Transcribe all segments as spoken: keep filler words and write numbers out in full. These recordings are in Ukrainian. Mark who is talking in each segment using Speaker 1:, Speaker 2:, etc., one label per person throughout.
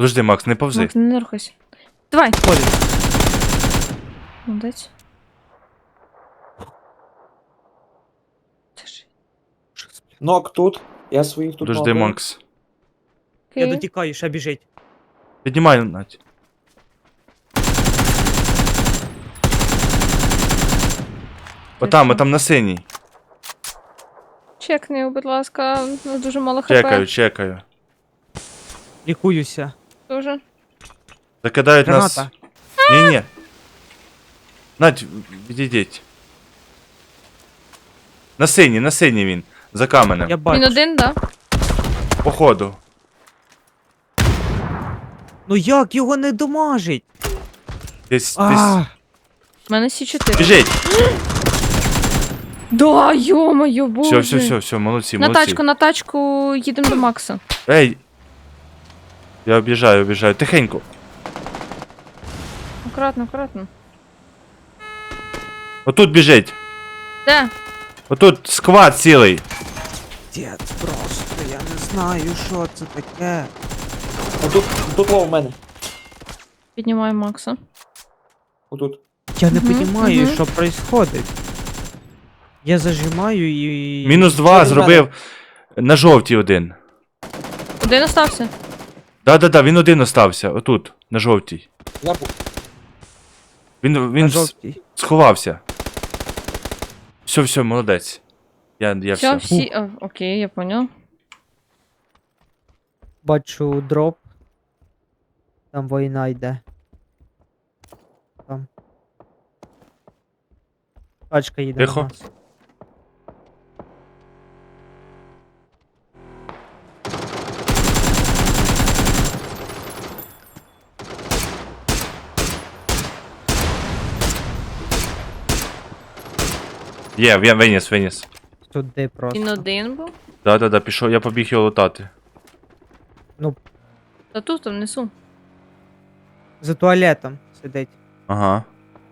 Speaker 1: Подожди, Макс, не повзи.
Speaker 2: Макс, не рухайся. Давай.
Speaker 3: Ходить.
Speaker 2: Молодець. Це ж-
Speaker 4: Нок тут. Я своїх тут
Speaker 1: Подожди,
Speaker 4: нокаю.
Speaker 1: Макс.
Speaker 3: Я
Speaker 2: Окей.
Speaker 3: дотікаю, ще біжить.
Speaker 1: Піднімай, Надь. Отам,
Speaker 2: що?
Speaker 1: отам на синій.
Speaker 2: Чекни, його, будь ласка, у нас дуже мало хп.
Speaker 1: Чекаю, чекаю.
Speaker 3: Лікуюся.
Speaker 2: Дуже.
Speaker 1: Закидають нас.
Speaker 3: Граната.
Speaker 1: Ні-ні. Надь, відійдіть. На синій, на синій він. За каменем.
Speaker 3: Я
Speaker 2: Він
Speaker 3: бачу.
Speaker 2: один, да?
Speaker 1: Походу.
Speaker 3: Ну як його не домажить?
Speaker 1: Десь, десь.
Speaker 3: А,
Speaker 2: У мене сі чотири.
Speaker 1: Біжить.
Speaker 2: Да, йо-моє, боже.
Speaker 1: Все, все, все, все, молодці,
Speaker 2: На
Speaker 1: молодці.
Speaker 2: тачку, на тачку їдемо до Макса.
Speaker 1: Ей. Я об'їжджаю, об'їжджаю. Тихенько.
Speaker 2: Акуратно, акуратно.
Speaker 1: Отут біжить.
Speaker 2: Де?
Speaker 1: Отут сквад цілий.
Speaker 3: дід, просто я не знаю, що це таке.
Speaker 4: Отут, тут лов в мене.
Speaker 2: Піднімаю Макса.
Speaker 4: Отут.
Speaker 3: Я не
Speaker 2: Мгм,
Speaker 3: розумію,
Speaker 2: мгм.
Speaker 3: що відбувається. Я зажимаю і.
Speaker 1: Мінус два
Speaker 4: Що від
Speaker 1: зробив на жовтій один.
Speaker 2: Один остався.
Speaker 1: Да-да-да, він один остався. Отут, на жовтій.
Speaker 4: Я бу-
Speaker 1: Він,
Speaker 3: На
Speaker 1: він с-
Speaker 3: жовтій.
Speaker 1: сховався. Все, все, молодець. Я, я
Speaker 2: Все,
Speaker 1: все.
Speaker 2: всі. А, окей, я понял.
Speaker 3: Бачу дроп. Там війна йде. Там. Тачка їде.
Speaker 1: Тихо.
Speaker 3: На нас.
Speaker 1: Є, він виніс, виніс.
Speaker 3: Туди просто.
Speaker 2: Він один був.
Speaker 1: Да-да-да, пішов, я побіг його лутати.
Speaker 2: Та тут, там внесу.
Speaker 3: За туалетом сидить.
Speaker 1: Ага.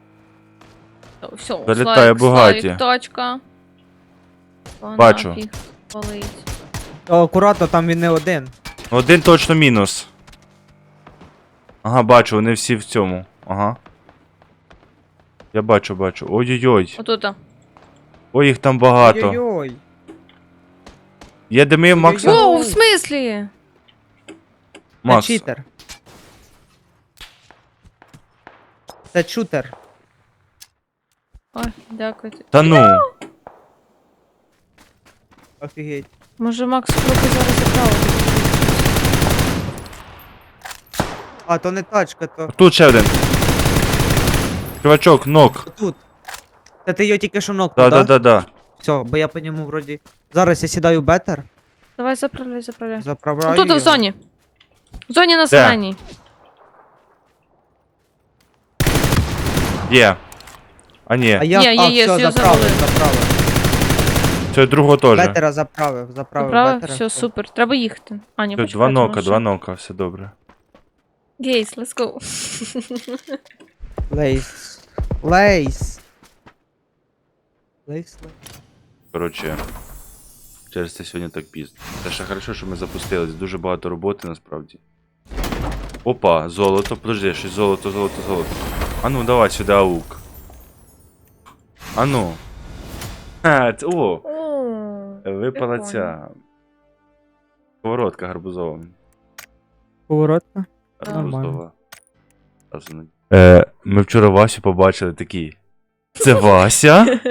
Speaker 2: Все,
Speaker 1: Залітає
Speaker 2: Славік,
Speaker 1: Бугаті.
Speaker 2: Славік, тачка. Та
Speaker 1: Бачу.
Speaker 2: нафіг палить.
Speaker 3: О, акуратно, там він не один.
Speaker 1: Один точно мінус. Ага, бачу, вони всі в цьому. Ага. Я бачу, бачу. Ой-ой-ой.
Speaker 2: Отут.
Speaker 1: Ой, їх там багато.
Speaker 3: Ой-ой-ой.
Speaker 1: Є дими, Макс.
Speaker 3: Ой-ой-ой.
Speaker 2: Воу, в смислі?
Speaker 3: Це
Speaker 1: Макс.
Speaker 3: читер. Це шутер.
Speaker 2: Ой, дякую.
Speaker 1: Та ну.
Speaker 3: Офігеть.
Speaker 2: Може Макс трохи зараз забрав.
Speaker 3: А, то не тачка, то
Speaker 1: Тут ще один. Чувачок, нок.
Speaker 3: тут. Та ти його тільки що нокнув, да?
Speaker 1: Да-да-да-да.
Speaker 3: Все, бо я по ньому вроді. Зараз я сідаю бетер,
Speaker 2: Давай заправляй, заправляй.
Speaker 3: заправляю.
Speaker 2: Тут в
Speaker 3: його.
Speaker 2: зоні. В зоні на зеленій.
Speaker 1: Є. А ні,
Speaker 3: А я
Speaker 2: Є, є,
Speaker 3: а,
Speaker 2: є,
Speaker 3: все,
Speaker 2: все,
Speaker 3: заправив,
Speaker 2: завалив.
Speaker 3: заправив.
Speaker 1: це другого теж.
Speaker 3: Бетера заправив, заправив
Speaker 2: Заправив?
Speaker 3: бетера.
Speaker 2: Все, супер. Треба їхати. А, ні,
Speaker 1: Все,
Speaker 2: почекайте,
Speaker 1: два нока,
Speaker 2: може.
Speaker 1: два нока, все добре.
Speaker 2: Гейс, let's go.
Speaker 3: Лейс. Лейс. Лейс, лейс.
Speaker 1: Коротше, через це сьогодні так пізно. Це ще хорошо, що ми запустились. Дуже багато роботи насправді. Опа, золото, подожди, щось золото, золото, золото. А ну, давай сюди аук. А ну. Ха, ц- о, випала
Speaker 2: прикольно.
Speaker 1: ця. Сковородка гарбузова.
Speaker 3: Поворотка.
Speaker 1: Гарбузова. Зараз вона- Е, ми вчора Васю побачили такі. Це Вася?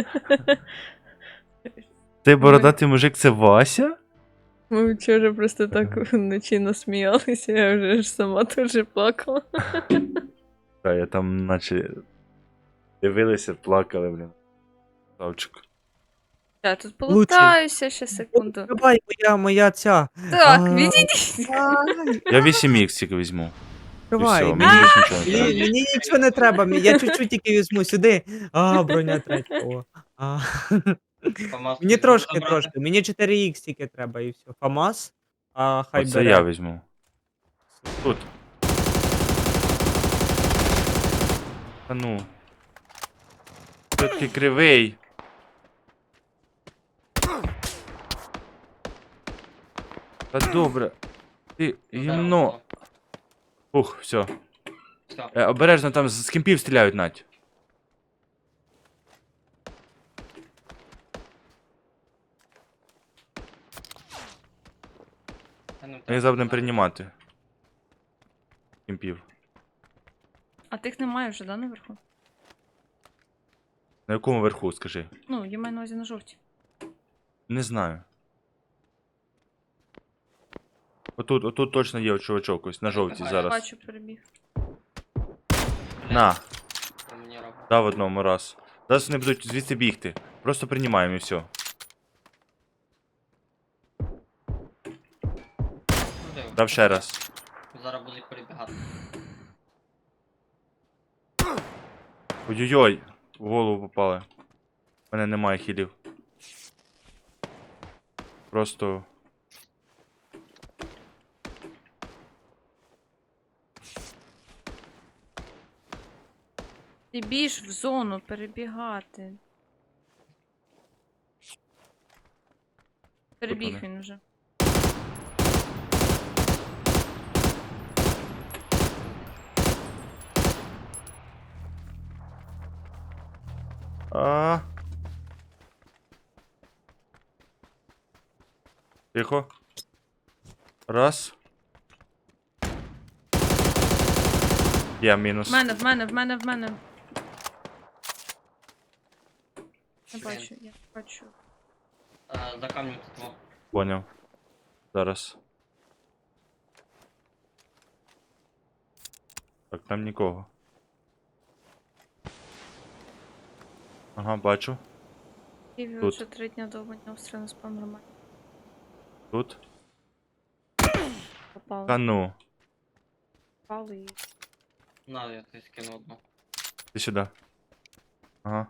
Speaker 1: Цей бородатий мужик це Вася?
Speaker 2: Ми вчора просто так вночі насміялися, я вже ж сама теж плакала.
Speaker 1: Та я там наче дивилися, плакали, блін. Савчик.
Speaker 2: Я тут полутаюся ще секунду.
Speaker 3: Давай, моя, моя ця.
Speaker 2: Так,
Speaker 3: А.
Speaker 2: відійдіть.
Speaker 3: Ай,
Speaker 1: Я вісім ікс тільки візьму. І
Speaker 3: Давай.
Speaker 1: все,
Speaker 3: мені,
Speaker 1: мені більше нічого не
Speaker 3: мені,
Speaker 1: треба.
Speaker 3: мені нічого не треба, мені- я чуть-чуть тільки візьму сюди. А, броня третя. О. А. Мені трошки, трошки. Мені чотири ікс тільки треба і все. ФАМАС, а хай
Speaker 1: Оце
Speaker 3: бере.
Speaker 1: я візьму. Тут. Та ну. Ти такий кривий. Та добре. Ти гімно. Ух, все.
Speaker 5: Все.
Speaker 1: Е, обережно там з з кемпів стріляють, Надь. Ми забудемо приймати. Кемпів.
Speaker 2: А тих немає вже, да, наверху?
Speaker 1: На якому верху, скажи?
Speaker 2: Ну, я маю на увазі на жовті.
Speaker 1: Не знаю. Отут, отут точно є чувачок ось, на жовтій
Speaker 5: Ага,
Speaker 1: зараз.
Speaker 2: Бачу, перебіг.
Speaker 1: На,
Speaker 5: Що мені робить?
Speaker 1: дав одному раз. Зараз вони будуть звідси бігти. Просто приймаємо і все.
Speaker 5: Куди?
Speaker 1: Дав ще раз.
Speaker 5: Зараз будуть перебігати.
Speaker 1: Ой-ой-ой, в голову попали. У мене немає хілів. Просто.
Speaker 2: Ти більш в зону перебігати. Перебіг
Speaker 1: вони?
Speaker 2: він вже.
Speaker 1: А. Тихо. Раз. Я мінус.
Speaker 2: В мене, в мене, в мене, в мене. Я бачу, я бачу.
Speaker 5: Е, За камнем тут во.
Speaker 1: Поняв. Зараз. Так, там нікого. Ага, бачу.
Speaker 2: Києві
Speaker 1: Тут.
Speaker 2: вже три дня довго не обстріл на спам нормально.
Speaker 1: Тут.
Speaker 2: Попали.
Speaker 1: Та ну.
Speaker 2: Попали і...
Speaker 5: На, я тобі скину одну.
Speaker 1: Ти сюди. Ага.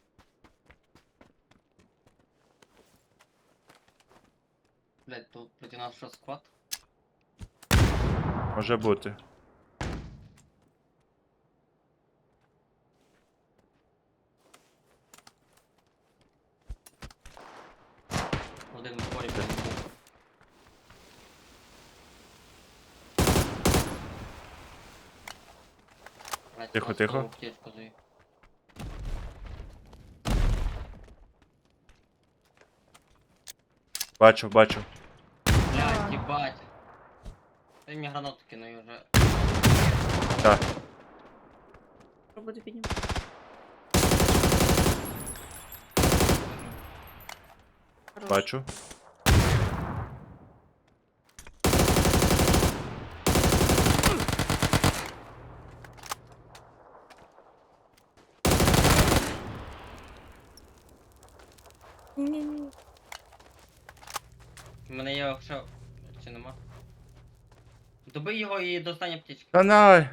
Speaker 5: Блять, тут проти нас що склад?
Speaker 1: Може бути.
Speaker 5: Один в полі був. Блять,
Speaker 1: Тихо,
Speaker 5: нас
Speaker 1: тихо.
Speaker 5: того аптечку даю.
Speaker 1: Бачу, бачу.
Speaker 5: Блять, їбать. Ти мені гранату кинув і вже.
Speaker 1: Так.
Speaker 2: Роботи піднімати. Хорош.
Speaker 1: Бачу.
Speaker 2: Ні-ні-ні.
Speaker 5: У мене є ще... Чи нема? Добий його і достань аптечки.
Speaker 1: Канай!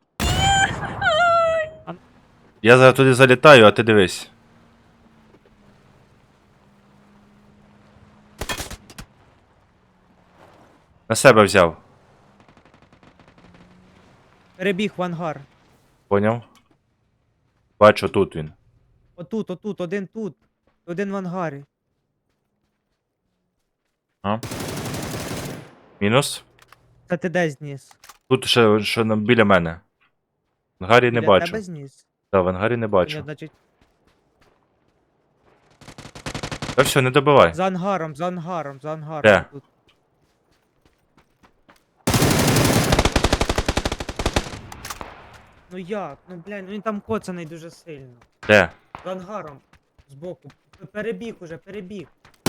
Speaker 1: Я зараз туди залітаю, а ти дивись. На себе взяв.
Speaker 3: Перебіг в ангар.
Speaker 1: Поняв? Бачу, тут він.
Speaker 3: Отут, отут, один тут. Один в ангарі.
Speaker 1: А? Мінус.
Speaker 3: Та ти де зніс?
Speaker 1: Тут ще, ще на- біля мене. В ангарі не
Speaker 3: Біля
Speaker 1: бачу.
Speaker 3: тебе зніс?
Speaker 1: Так, в ангарі не
Speaker 3: Ні,
Speaker 1: бачу.
Speaker 3: значить,
Speaker 1: Та все, не добивай.
Speaker 3: за ангаром, за ангаром, за ангаром.
Speaker 1: Де?
Speaker 3: Тут. Ну як? Ну блядь, ну він там коцаний дуже сильно.
Speaker 1: Де?
Speaker 3: За ангаром. Збоку. Перебіг уже, перебіг.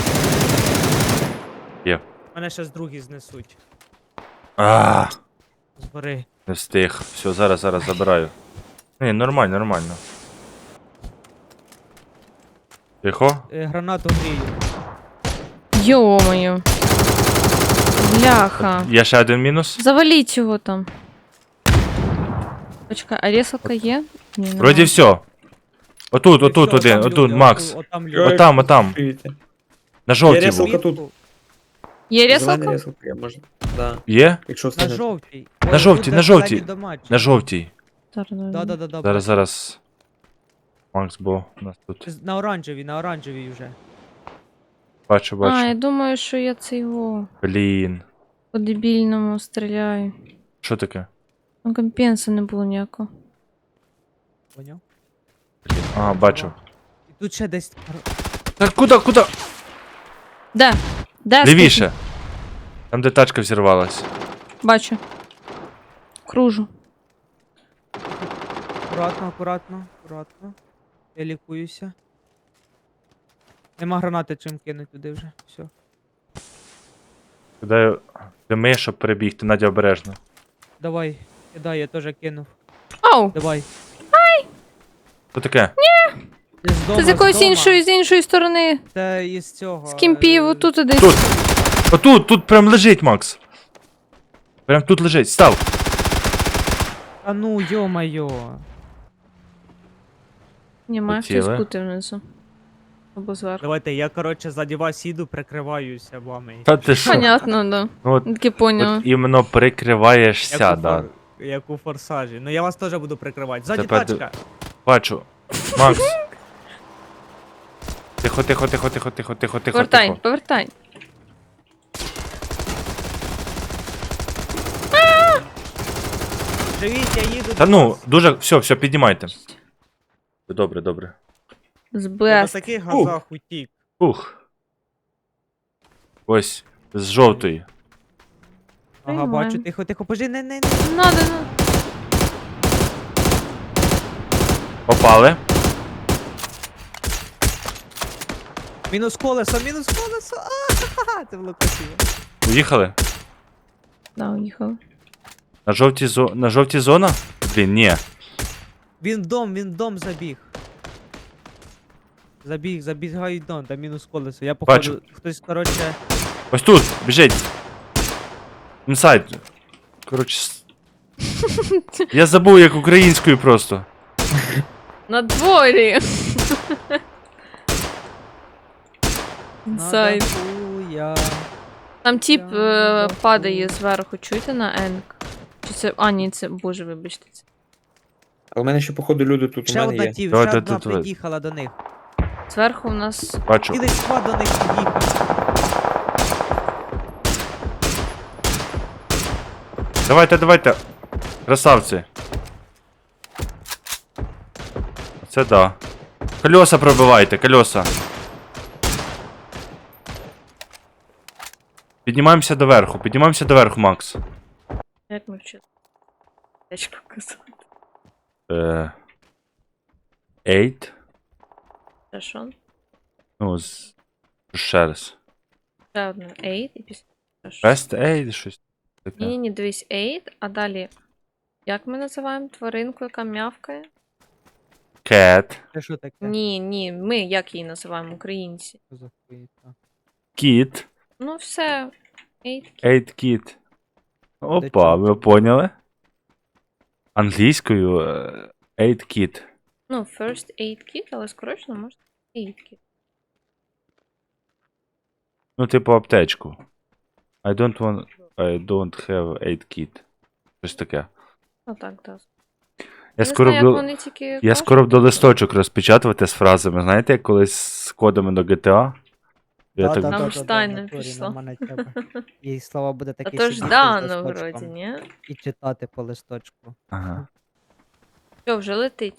Speaker 1: Є.
Speaker 3: Мене ще з другі знесуть.
Speaker 1: А,
Speaker 3: Згори.
Speaker 1: не встиг. Все, зараз, зараз забираю. Ні, нормально, нормально. Тихо.
Speaker 3: Е, гранату грію.
Speaker 2: Йо-моє. Бляха.
Speaker 1: Є ще один мінус.
Speaker 2: Заваліть його там. Почекай, а ресалка є? Ні, нема.
Speaker 1: Вроді все. Отут,
Speaker 3: І
Speaker 1: отут
Speaker 3: всьо,
Speaker 1: один,
Speaker 3: отам
Speaker 1: отут,
Speaker 3: люди,
Speaker 1: Макс.
Speaker 3: оту- Отам люди.
Speaker 4: Ой,
Speaker 1: Отам, отам.
Speaker 4: Чуєте?
Speaker 1: На жовтій
Speaker 4: Я
Speaker 1: був.
Speaker 4: ресалка тут.
Speaker 2: Є
Speaker 4: Зелена
Speaker 2: ресалка?
Speaker 4: ресалка, я можу. Да.
Speaker 1: Є?
Speaker 4: Якщо
Speaker 3: На
Speaker 4: встигнете.
Speaker 3: жовтій.
Speaker 1: На жовтій, на жовтій. На жовтій.
Speaker 2: Зараз, зараз.
Speaker 3: Да, да, да, да.
Speaker 1: Зараз, зараз. Макс, бо у нас тут.
Speaker 3: На оранжевій, на оранжевій вже.
Speaker 1: Бачу,
Speaker 2: А, я
Speaker 1: бачу.
Speaker 2: думаю, що я це його
Speaker 1: Блін.
Speaker 2: по дебільному стріляю.
Speaker 1: Що таке?
Speaker 2: Там компенса не було ніякого.
Speaker 3: Поняв?
Speaker 1: Ага, бачу.
Speaker 3: І тут ще десь.
Speaker 1: Так куди, куди?
Speaker 2: Де? Де?
Speaker 1: Лівіше. Там, де тачка взірвалась.
Speaker 2: скажи? Бачу. Кружу.
Speaker 3: Акуратно, акуратно, акуратно. Я лікуюся. Нема гранати чим кинуть туди вже. Все.
Speaker 1: Куди дими, щоб перебігти. Надя, обережно.
Speaker 3: Давай, кидай, я теж кинув.
Speaker 2: Ау!
Speaker 3: Давай.
Speaker 1: Що таке?
Speaker 3: Ти з дома,
Speaker 2: Це з якоїсь
Speaker 3: з дома.
Speaker 2: іншої, з іншої сторони.
Speaker 3: Це із цього.
Speaker 2: З кімпів,
Speaker 3: е,
Speaker 2: отут десь.
Speaker 1: Тут. Отут, тут прям лежить, Макс. Прям тут лежить. Став.
Speaker 3: А ну, йо-майо.
Speaker 2: Ні, має
Speaker 1: Хотіли.
Speaker 2: хтось бути внизу. Або зверху.
Speaker 3: Давайте, я, коротше, ззаді вас їду, прикриваюся вами.
Speaker 1: Та ти що?
Speaker 2: Понятно, да.
Speaker 1: Ну, от,
Speaker 2: Таки поняла.
Speaker 1: от іменно прикриваєшся,
Speaker 3: Як у,
Speaker 1: да.
Speaker 3: фор... як у форсажі. Ну я вас теж буду прикривати. Ззаді
Speaker 1: Тепер
Speaker 3: тачка.
Speaker 1: Бачу. Макс. Тихо, тихо, тихо, тихо, тихо, тихо, тихо,
Speaker 2: Повертай,
Speaker 1: тихо.
Speaker 2: повертай.
Speaker 3: Живіть, я їду
Speaker 1: Та
Speaker 3: до
Speaker 1: ну,
Speaker 3: вас.
Speaker 1: дуже. Все, все, піднімайте. Добре, добре.
Speaker 2: З
Speaker 3: Я на
Speaker 2: Бест.
Speaker 3: таких газах утік.
Speaker 1: Ух. Ось, з жовтої.
Speaker 3: Ага,
Speaker 2: Приймаємо.
Speaker 3: бачу, тихо, тихо, пожи, не, не, не.
Speaker 2: Надо, надо.
Speaker 1: Попали.
Speaker 3: Мінус колесо, мінус колесо. А, це було красиво.
Speaker 1: Уїхали?
Speaker 2: Да, уїхали.
Speaker 1: На жовтій зо... На жовтій зона? Блін, ні.
Speaker 3: Він в дом, він в дом забіг. Забіг, забігають в дом, там мінус колесо. Я походу,
Speaker 1: Бачу.
Speaker 3: хтось, коротше,
Speaker 1: Ось тут, біжить. Інсайд. Коротше. с- Я забув як українською просто.
Speaker 2: На дворі. Інсайд.
Speaker 3: надахуя.
Speaker 2: Там тип
Speaker 3: Я
Speaker 2: е,
Speaker 3: надахуя.
Speaker 2: падає зверху, чуєте на енк? Чи це. А, ні, це. Боже, вибачте. Це.
Speaker 4: А у мене ще, походу, люди тут у
Speaker 3: Ще
Speaker 4: мене
Speaker 3: одна
Speaker 4: є.
Speaker 3: тів,
Speaker 1: Давайте
Speaker 3: ще одна
Speaker 1: тут ви-
Speaker 3: під'їхала до них.
Speaker 2: Зверху у нас.
Speaker 1: Бачу.
Speaker 3: Цілий склад до них під'їхав.
Speaker 1: Давайте, давайте. Красавці. Це да. Колеса пробивайте, колеса. Піднімаємося доверху, піднімаємося доверху, Макс.
Speaker 2: Як ми вчили? Течку казати.
Speaker 1: Е... Eight.
Speaker 2: Це що?
Speaker 1: Ну, з... ще раз.
Speaker 2: Ще одне eight і після. Це що?
Speaker 1: Best eight, щось
Speaker 2: Ні,
Speaker 1: таке.
Speaker 2: ні, ні, дивись, eight, а далі. Як ми називаємо тваринку, яка м'явкає?
Speaker 1: Cat.
Speaker 3: Це що таке?
Speaker 2: Ні, ні, ми як її називаємо, українці.
Speaker 3: Що за хуєта?
Speaker 1: Kit.
Speaker 2: Ну все. Eight.
Speaker 1: Eight kit. Опа,
Speaker 3: чого?
Speaker 1: ви поняли? Англійською е, eight kit.
Speaker 2: Ну, first aid kit, але скорочено можна eight kit.
Speaker 1: Ну, типу аптечку. I don't want... I don't have eight kit. Щось таке.
Speaker 2: Ну так, так.
Speaker 1: Я скоро
Speaker 2: знаю, як
Speaker 1: буду...
Speaker 2: вони тільки
Speaker 1: Я
Speaker 2: кажуть.
Speaker 1: скоро буду листочок розпечатувати з фразами. Знаєте, як колись з кодами до джі ті ей? Я так...
Speaker 2: Нам Штайна пішла.
Speaker 3: І слова буде
Speaker 2: А
Speaker 3: такі
Speaker 2: то ж
Speaker 3: сидіти з
Speaker 2: Дано
Speaker 3: листочком
Speaker 2: вроді, ні?
Speaker 3: і читати по листочку.
Speaker 1: Ага.
Speaker 2: Що, вже летить?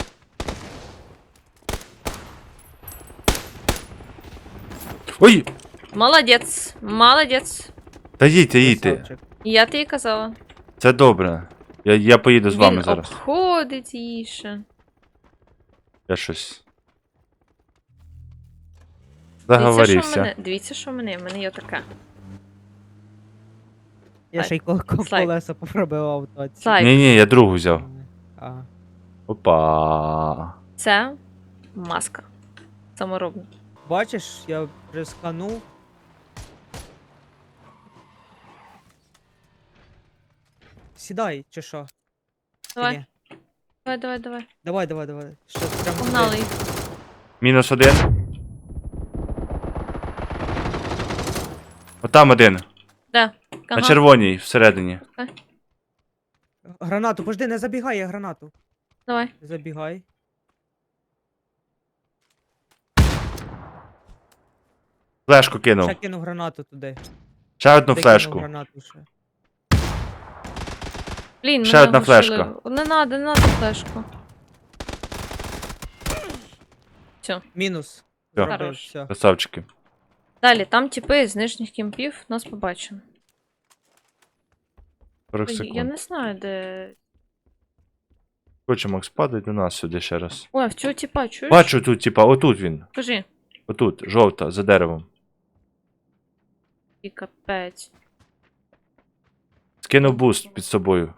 Speaker 1: Ой!
Speaker 2: Молодець, молодець.
Speaker 1: Та їдьте, їдьте.
Speaker 3: Красавчик.
Speaker 2: Я тобі казала.
Speaker 1: Це добре. Я, я поїду з вами
Speaker 2: Він
Speaker 1: зараз.
Speaker 2: обходить її ще.
Speaker 1: Я щось.
Speaker 2: Дивіться, що в
Speaker 1: Заговорився.
Speaker 2: мене. Дивіться, що в мене. В мене є така.
Speaker 3: Я ще й кол- кол-
Speaker 2: Слайд.
Speaker 3: колеса попробивав в тоці.
Speaker 2: Слайд.
Speaker 1: Ні, ні, я другу взяв.
Speaker 3: А,
Speaker 1: Опа.
Speaker 2: Це маска. Саморобна.
Speaker 3: бачиш, я вже сканув. Сідай, чи що? Чи
Speaker 2: Давай,
Speaker 3: ні?
Speaker 2: давай, давай, давай.
Speaker 3: Давай, давай, давай. Що прямо
Speaker 2: Погнали
Speaker 3: туди.
Speaker 2: їх.
Speaker 1: Мінус один. Отам один.
Speaker 2: Де?
Speaker 1: На
Speaker 2: Ага.
Speaker 1: червоній, всередині.
Speaker 3: Гранату, пожди, не забігай, я гранату.
Speaker 2: Давай.
Speaker 3: Не забігай.
Speaker 1: Флешку кинув.
Speaker 3: Ще кинув гранату туди.
Speaker 1: Ще одну
Speaker 3: Туди
Speaker 1: флешку.
Speaker 3: кинув гранату ще.
Speaker 2: Блін,
Speaker 1: Ще
Speaker 2: мене
Speaker 1: одна
Speaker 2: оглушили.
Speaker 1: флешка.
Speaker 2: Не надо, не надо флешку. Все.
Speaker 3: Мінус.
Speaker 1: Всьо.
Speaker 3: Зробив,
Speaker 2: Хорош.
Speaker 3: все.
Speaker 1: Красавчики.
Speaker 2: Далі, там типи з нижніх кімпів нас побачили.
Speaker 1: сорок
Speaker 2: Я
Speaker 1: секунд.
Speaker 2: не знаю, де.
Speaker 1: Хоче Макс, падай до нас сюди ще раз.
Speaker 2: Ой, а в цього типа, чуєш?
Speaker 1: Бачу тут, типа, отут він.
Speaker 2: Кажи.
Speaker 1: Отут, жовта, за деревом.
Speaker 2: І капець.
Speaker 1: Скинув буст під собою.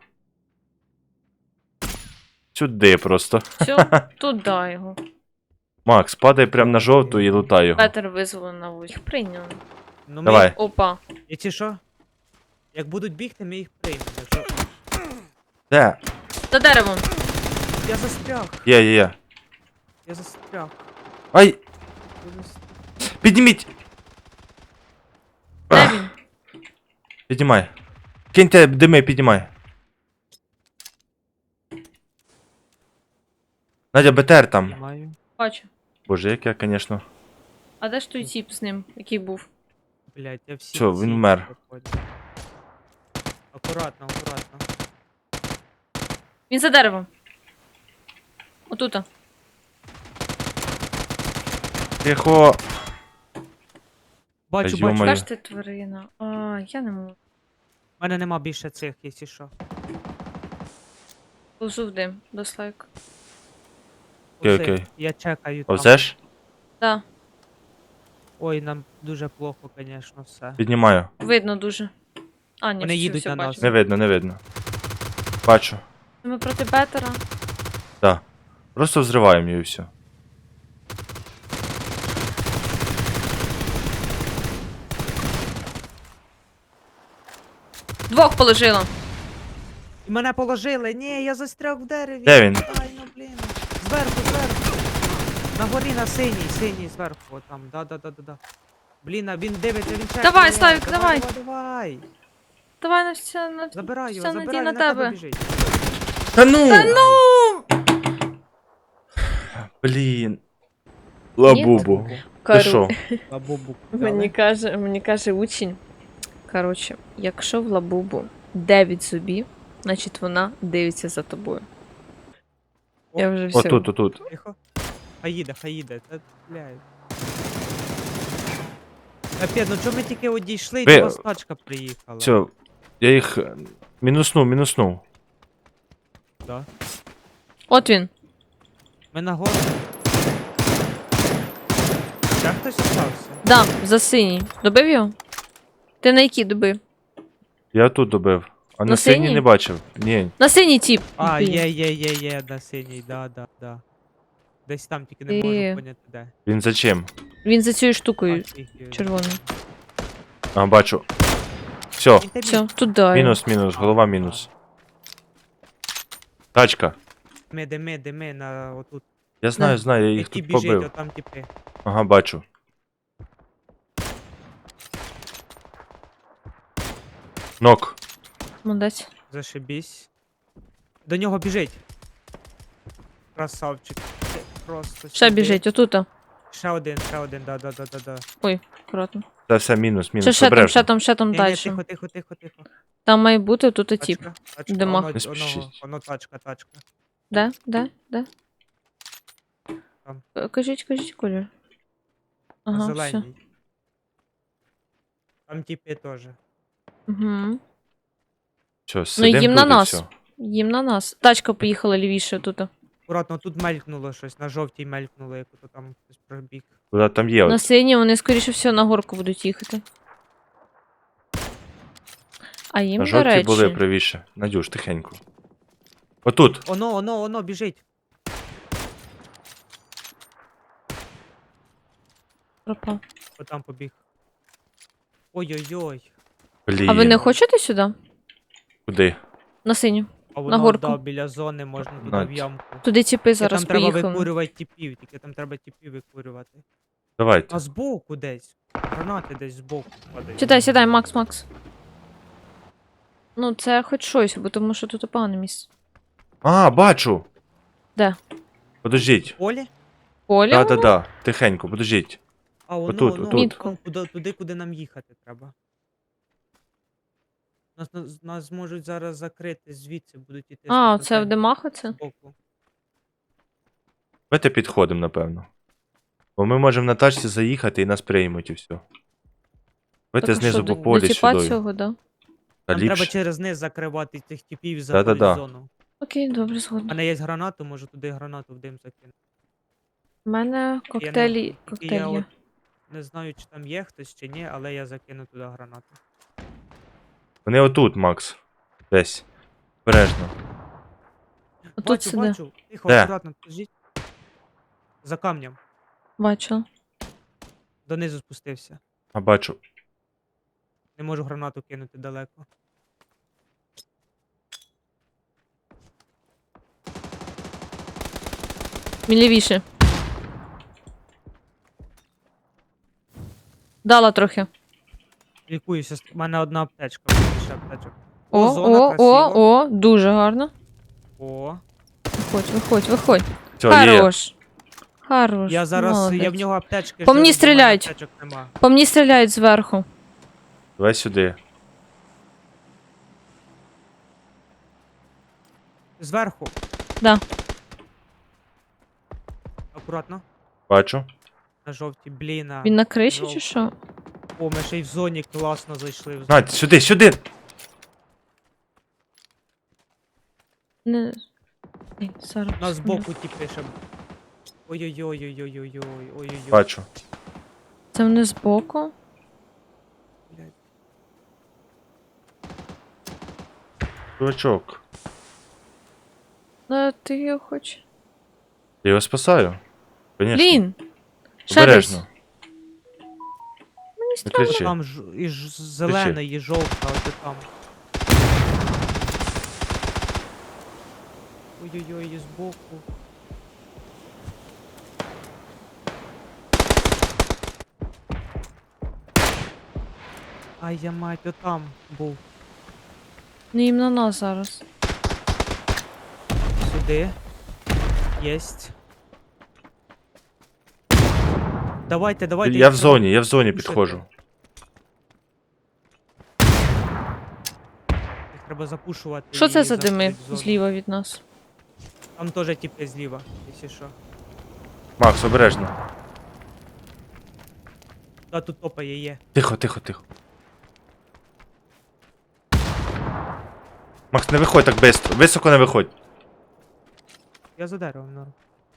Speaker 1: Сюди просто.
Speaker 2: Все, туди його.
Speaker 1: Макс, падай прямо на жовту і лутай його.
Speaker 2: Петер визвали на вулицю. Прийняли.
Speaker 3: Ну, ми,
Speaker 1: Давай.
Speaker 2: Опа.
Speaker 3: якщо що, як будуть бігти, ми їх приймемо. Якщо...
Speaker 1: Де?
Speaker 2: За деревом.
Speaker 3: Я застряг,
Speaker 1: Є, є, є.
Speaker 3: я застряг.
Speaker 1: Ай!
Speaker 3: Я застряг.
Speaker 1: Підніміть!
Speaker 2: Де він?
Speaker 1: Піднімай. Киньте дими, піднімай. Надя, БТР там.
Speaker 3: Маю.
Speaker 2: Бачу.
Speaker 1: Боже, як я, конечно.
Speaker 2: А де ж той тіп з ним, який був?
Speaker 3: Блять, я всі.
Speaker 1: Всьо,
Speaker 3: всі
Speaker 1: він вмер.
Speaker 3: проходжу. Акуратно, акуратно.
Speaker 2: Він за деревом. Отута.
Speaker 1: Тихо.
Speaker 3: Бачу,
Speaker 1: Та
Speaker 3: бачу.
Speaker 1: йо-моє.
Speaker 2: Яка ж ти тварина? А, я не можу.
Speaker 3: У мене нема більше цих, якщо що.
Speaker 2: Лежу в дим, дослайк.
Speaker 1: Окей,
Speaker 3: Оце,
Speaker 1: окей.
Speaker 3: Я чекаю там.
Speaker 1: Повзеш?
Speaker 2: Да,
Speaker 3: Ой, нам дуже плохо, звісно, все.
Speaker 1: Піднімаю.
Speaker 2: видно дуже. А, ні,
Speaker 3: Вони
Speaker 2: все,
Speaker 3: їдуть
Speaker 2: все
Speaker 3: на нас.
Speaker 2: бачу.
Speaker 1: Не видно, не видно. Бачу.
Speaker 2: Ми проти Бетера.
Speaker 1: Да. Просто взриваємо її і все.
Speaker 2: Двох положила.
Speaker 3: І мене положили. Ні, я застряг в дереві.
Speaker 1: Де він?
Speaker 3: Ай, ну блін. Зверху, зверху. На горі на синій, синій зверху, отам. Да, да, да, да, да. Блін, а він дивиться, він чекає.
Speaker 2: Давай,
Speaker 3: мене.
Speaker 2: Славік,
Speaker 3: давай.
Speaker 2: давай.
Speaker 3: Давай, давай.
Speaker 2: Давай на все, на
Speaker 3: Забирай його,
Speaker 2: вся
Speaker 3: забирай,
Speaker 2: надій
Speaker 3: він
Speaker 2: на
Speaker 3: на тебе
Speaker 2: тебе.
Speaker 3: біжить.
Speaker 1: Та ну!
Speaker 2: Та ну!
Speaker 1: Блін. Лабубу. Ти
Speaker 2: Кару.
Speaker 1: що?
Speaker 3: Лабубу.
Speaker 2: Мені каже, мені каже учень. Коротше, якщо в лабубу дев'ять зубів, значить вона дивиться за тобою. Я вже все.
Speaker 1: Отут, отут.
Speaker 3: Тихо. Хай їде, хай їде. Та, блядь. Капець, ну чому ми тільки одійшли, і
Speaker 1: Ви-
Speaker 3: до вас тачка приїхала?
Speaker 1: Все. Я їх е, мінуснув, мінуснув.
Speaker 3: Да.
Speaker 2: От він.
Speaker 3: Ми на гору. Ще хтось остався?
Speaker 2: Да, за синій. Добив його? Ти на який добив?
Speaker 1: Я тут добив. А на
Speaker 2: На
Speaker 1: синій
Speaker 2: синій?
Speaker 1: не бачив. Ні.
Speaker 2: На синій тіп.
Speaker 3: А,
Speaker 2: Блін.
Speaker 3: є, є, є, є, на синій, да, да, да. Десь там тільки не
Speaker 2: Ти-
Speaker 3: можу поняти де.
Speaker 1: Він за чим?
Speaker 2: Він за цією штукою
Speaker 3: А, фіг,
Speaker 2: червоною.
Speaker 1: А, бачу. Все.
Speaker 3: він тебе-
Speaker 2: Все, туди.
Speaker 1: Мінус, мінус, голова мінус. Тачка.
Speaker 3: Дими, дими, дими на отут.
Speaker 1: Я знаю, знаю, я їх
Speaker 3: Які
Speaker 1: тут
Speaker 3: біжить,
Speaker 1: побив.
Speaker 3: отам типи.
Speaker 1: Ага, бачу. Нок.
Speaker 2: Молодець.
Speaker 3: Зашибісь. До нього біжить. Красавчик. Це Просто
Speaker 2: Ще
Speaker 3: сюди.
Speaker 2: біжить, отута.
Speaker 3: Ще один, ще один, да, да, да, да, да.
Speaker 2: Ой, акуратно.
Speaker 1: Це все мінус,
Speaker 2: Ще,
Speaker 1: мінус.
Speaker 2: ще там,
Speaker 1: Обережно.
Speaker 2: ще там, ще там
Speaker 3: Ні, ні,
Speaker 2: далі.
Speaker 3: тихо, тихо, тихо, тихо.
Speaker 2: Там має бути тут тіп.
Speaker 3: Тачка, тачка,
Speaker 2: Дима.
Speaker 3: воно,
Speaker 1: Не
Speaker 3: воно,
Speaker 1: спішіть.
Speaker 3: воно тачка, тачка.
Speaker 2: Де? Де? Де?
Speaker 3: Там.
Speaker 2: Е, Кажіть, кажіть, колір.
Speaker 3: На
Speaker 2: Ага, все.
Speaker 3: зеленій. Там типи теж.
Speaker 2: Угу.
Speaker 1: Все, сидим
Speaker 2: Ну, їм
Speaker 1: тут
Speaker 2: на
Speaker 1: і
Speaker 2: нас.
Speaker 1: всьо.
Speaker 2: Їм на нас. Тачка поїхала лівіше тут.
Speaker 3: Акуратно, тут мелькнуло щось, на жовтій мелькнуло, як ото там хтось пробіг.
Speaker 1: Куда там є?
Speaker 2: На
Speaker 1: От.
Speaker 2: синій вони, скоріше всього, на горку будуть їхати. А їм,
Speaker 1: На
Speaker 2: до
Speaker 1: жовті
Speaker 2: речі,
Speaker 1: були правіше. Надюш, тихенько. Отут.
Speaker 3: Оно, оно, оно, біжить.
Speaker 2: пропав.
Speaker 3: Отам побіг. Ой-ой-ой.
Speaker 1: Блін.
Speaker 2: А ви не хочете сюди?
Speaker 1: Куди?
Speaker 2: На синю.
Speaker 3: А воно,
Speaker 2: горку.
Speaker 3: да, біля зони можна туди в
Speaker 1: Надь.
Speaker 3: ямку.
Speaker 2: Туди тіпи
Speaker 3: Тільки
Speaker 2: зараз
Speaker 3: там треба
Speaker 2: поїхали.
Speaker 3: викурювати тіпів, тільки там треба тіпів викурювати.
Speaker 1: Давайте.
Speaker 3: А збоку десь. Гранати десь збоку падають.
Speaker 2: Сідай, сідай, Макс, Макс. Ну, це хоч щось, бо тому що тут погане місце.
Speaker 1: А, бачу.
Speaker 2: Де?
Speaker 1: Подождіть.
Speaker 3: Полі?
Speaker 2: Полі?
Speaker 1: Да, да, да. Тихенько, подождіть.
Speaker 3: А воно,
Speaker 1: Отут,
Speaker 3: воно,
Speaker 1: отут.
Speaker 3: воно, туди, туди, куди нам їхати треба. Нас, нас, нас зможуть зараз закрити, звідси будуть іти.
Speaker 2: А,
Speaker 3: з
Speaker 2: це в димах оце?
Speaker 3: боку.
Speaker 1: Давайте підходимо, напевно. Бо ми можемо на тачці заїхати і нас приймуть і все.
Speaker 2: Так,
Speaker 1: Давайте
Speaker 2: а
Speaker 1: знизу
Speaker 2: що,
Speaker 1: по
Speaker 2: до-
Speaker 1: полі
Speaker 2: до тіпа
Speaker 1: сюди.
Speaker 2: цього, да?
Speaker 1: Та
Speaker 3: Нам треба
Speaker 1: ліпше.
Speaker 3: через низ закривати цих типів і
Speaker 1: Да-да-да.
Speaker 3: заходити в зону.
Speaker 2: Окей, добре,
Speaker 3: У
Speaker 2: згодна.
Speaker 3: мене є гранату, можу туди гранату в дим закинути.
Speaker 2: У мене
Speaker 3: Я не-
Speaker 2: коктейлі,
Speaker 3: тільки
Speaker 2: коктейль
Speaker 3: я
Speaker 2: є.
Speaker 3: от не знаю, чи там є хтось чи ні, але я закину туди гранату.
Speaker 1: Вони отут, Макс. Десь. Бережно.
Speaker 2: Отут
Speaker 3: Бачу,
Speaker 2: сиде.
Speaker 3: бачу. Тихо,
Speaker 1: Де?
Speaker 3: акуратно, подождіть. За камнем.
Speaker 2: Бачила.
Speaker 3: Донизу спустився.
Speaker 1: А бачу.
Speaker 3: Не можу гранату кинути далеко.
Speaker 2: Він лівіше. Дала трохи.
Speaker 3: Лікуюся, у мене одна аптечка, в мене ще аптечок.
Speaker 2: О,
Speaker 3: зона,
Speaker 2: о,
Speaker 3: красиво.
Speaker 2: о, о, дуже гарно.
Speaker 3: О,
Speaker 2: Виходь, виходь, виходь.
Speaker 1: Все, є.
Speaker 2: Хорош. Хорош.
Speaker 3: я зараз, я в
Speaker 2: молодець.
Speaker 3: нього аптечки.
Speaker 2: По мені
Speaker 3: жду, бо в мене
Speaker 2: стріляють.
Speaker 3: Аптечок нема.
Speaker 2: По мені стріляють зверху.
Speaker 1: Давай сюди.
Speaker 3: Зверху.
Speaker 2: Да.
Speaker 3: Акуратно.
Speaker 1: Бачу.
Speaker 3: На жовтій, блін. а.
Speaker 2: Він на криші
Speaker 3: Жовто.
Speaker 2: чи що?
Speaker 3: О, ми ще й в зоні класно зайшли. В зону.
Speaker 1: Надь, сюди, сюди!
Speaker 2: Не. Ні, зараз.
Speaker 3: Нас
Speaker 2: секунду.
Speaker 3: збоку ті пише. Ой-ой-ой-ой-ой-ой-ой. Ой-ой-ой.
Speaker 1: Бачу.
Speaker 2: Це вони збоку.
Speaker 3: Блядь.
Speaker 1: Чувачок.
Speaker 2: Ну, ти його хочеш.
Speaker 1: Я його спасаю. Конечно.
Speaker 2: Блін! Ще десь.
Speaker 1: Обережно.
Speaker 2: Мені
Speaker 1: Не
Speaker 2: страшно.
Speaker 1: кричи.
Speaker 3: Там ж і ж зелена, і жовта, от там. Ой-ой-ой, і збоку. Ай, я мать, отам був.
Speaker 2: Не їм на нас зараз.
Speaker 3: Сюди. Єсть. Давайте, давайте.
Speaker 1: Я
Speaker 3: їх
Speaker 1: в
Speaker 3: треба
Speaker 1: зоні, я в зоні
Speaker 3: пушити.
Speaker 1: підходжу.
Speaker 3: Їх треба запушувати.
Speaker 2: Що
Speaker 3: і
Speaker 2: це за дими
Speaker 3: заходити в зону.
Speaker 2: зліва від нас?
Speaker 3: Там теж тіпи зліва, якщо що.
Speaker 1: Макс, обережно.
Speaker 3: Да, тут топає є.
Speaker 1: Тихо, тихо, тихо. Макс, не виходь так швидко. Високо не виходь.
Speaker 3: Я за деревом, норм.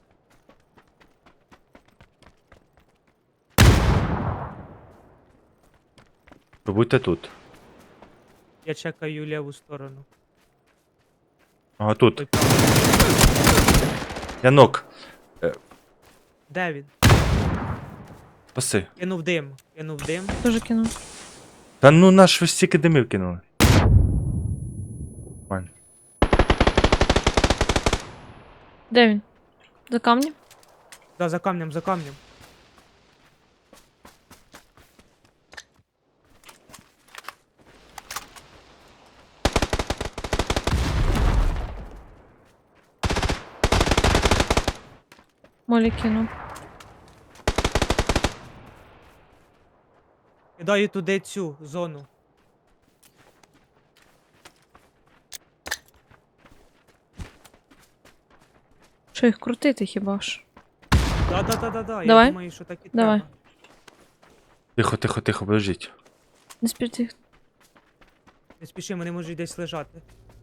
Speaker 1: Будьте тут.
Speaker 3: Я чекаю ліву сторону.
Speaker 1: Ага, тут.
Speaker 3: Ой, там.
Speaker 1: Я нок.
Speaker 3: Де він?
Speaker 1: Паси.
Speaker 3: Кинув дим. Кинув дим.
Speaker 2: Дуже кинув.
Speaker 1: Та ну наш ви стільки димів кинули. Нормально.
Speaker 2: Де він? За камнем?
Speaker 3: Да, за камнем, за камнем.
Speaker 2: Молі кинув.
Speaker 3: Кидаю туди цю зону.
Speaker 2: Що їх крутити хіба ж?
Speaker 3: Да, да, да, да, да.
Speaker 2: Давай.
Speaker 3: Я думаю, що так і
Speaker 2: Давай.
Speaker 3: треба.
Speaker 1: Тихо, тихо, тихо, подождіть.
Speaker 2: Не спірти.
Speaker 3: Не спіши, вони можуть десь лежати.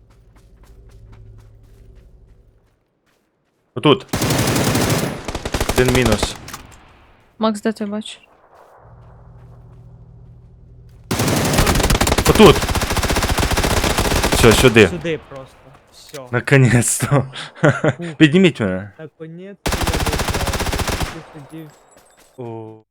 Speaker 1: Отут. Один мінус.
Speaker 2: Макс, де ти бачиш?
Speaker 1: Отут. Все, сюди.
Speaker 3: Сюди просто. Все.
Speaker 1: Наконець-то. Підніміть мене.
Speaker 3: Наконець я добрав. Сидів.
Speaker 1: О.